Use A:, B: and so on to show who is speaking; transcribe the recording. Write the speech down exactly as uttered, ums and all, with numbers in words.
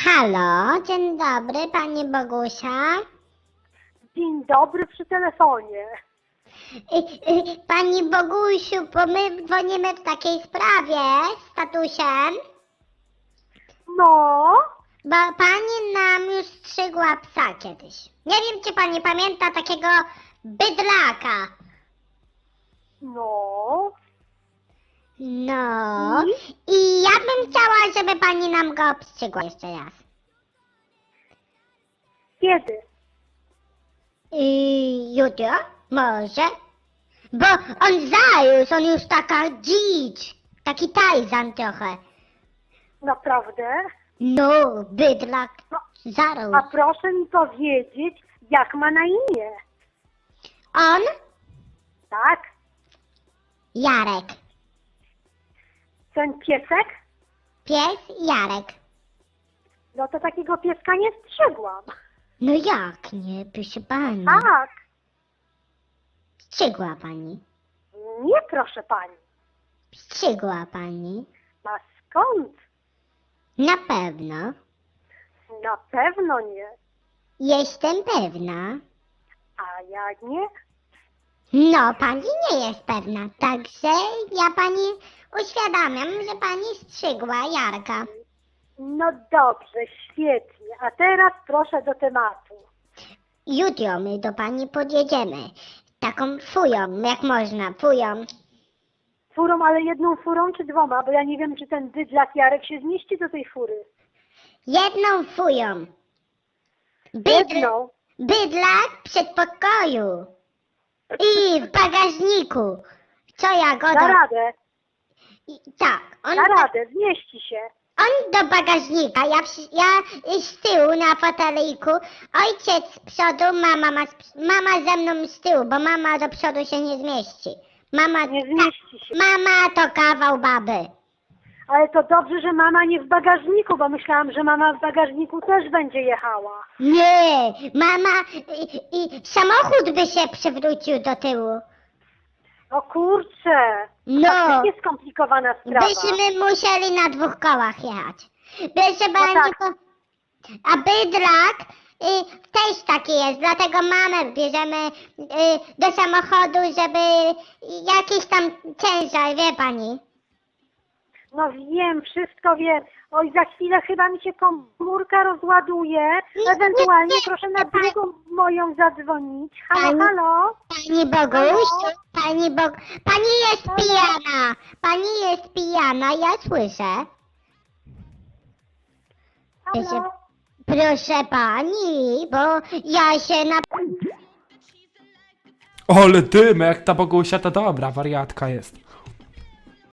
A: Halo, dzień dobry, pani Bogusia.
B: Dzień dobry przy telefonie.
A: Y, y, Pani Bogusiu, bo my dzwonimy w takiej sprawie z tatusiem,
B: No,
A: bo pani nam już strzygła psa kiedyś. Nie wiem, czy pani pamięta takiego bydlaka.
B: no.
A: No, i ja bym chciała, żeby pani nam go obstrzygła jeszcze raz.
B: Kiedy?
A: I jutro? Może? Bo on zarósł, on już taka dzicz, taki tajzan trochę.
B: Naprawdę?
A: No, bydlak
B: No,
A: zarósł.
B: a proszę mi powiedzieć, jak ma na imię?
A: On?
B: Tak?
A: Jarek.
B: Ten piesek?
A: Pies Jarek.
B: No to takiego pieska nie strzygłam.
A: No jak nie, proszę pani.
B: Tak.
A: Strzygła pani.
B: Nie, proszę pani.
A: Strzygła pani.
B: A skąd?
A: Na pewno.
B: Na pewno nie.
A: Jestem pewna.
B: A ja nie?
A: No, pani nie jest pewna, także ja pani uświadamiam, że pani strzygła Jarka.
B: No dobrze, świetnie. A teraz proszę do tematu.
A: Jutro my do pani podjedziemy. Taką fują, jak można, fują.
B: Furą, ale jedną furą czy dwoma? Bo ja nie wiem, czy ten bydlak Jarek się zmieści do tej fury.
A: Jedną fują. Bydl,
B: Jedną.
A: bydlak w przedpokoju. I w bagażniku. Co ja go
B: Na
A: do...
B: radę,
A: I, tak, on,
B: na radę, zmieści się.
A: on do bagażnika, ja, przy- ja z tyłu na foteliku, ojciec z przodu, mama, ma, z- mama ze mną z tyłu, bo mama do przodu się nie zmieści. Mama,
B: Nie zmieści się.
A: mama to kawał baby.
B: Ale to dobrze, że mama nie w bagażniku, bo myślałam, że mama w bagażniku też będzie jechała.
A: Nie, mama i, i samochód by się przewrócił do tyłu.
B: O kurczę,
A: No,
B: faktycznie skomplikowana sprawa.
A: byśmy musieli na dwóch kołach jechać. Proszę pani,
B: tak.
A: to... a bydlak y, też taki jest, dlatego mamę bierzemy y, do samochodu, żeby jakiś tam ciężar, wie pani.
B: No wiem, wszystko wiem. Oj, za chwilę chyba mi się komórka rozładuje.
A: Nie,
B: Ewentualnie
A: nie, nie,
B: proszę na
A: nie, pani-
B: drugą moją zadzwonić. Halo,
A: Pani-
B: halo?
A: Pani Bogusiu, pani Bog... Pani jest
B: Halo?
A: pijana, pani jest pijana, ja słyszę. Proszę,
B: Halo?
A: proszę pani, bo ja się na...
C: Ale dymy, jak ta Bogusia to dobra, wariatka jest.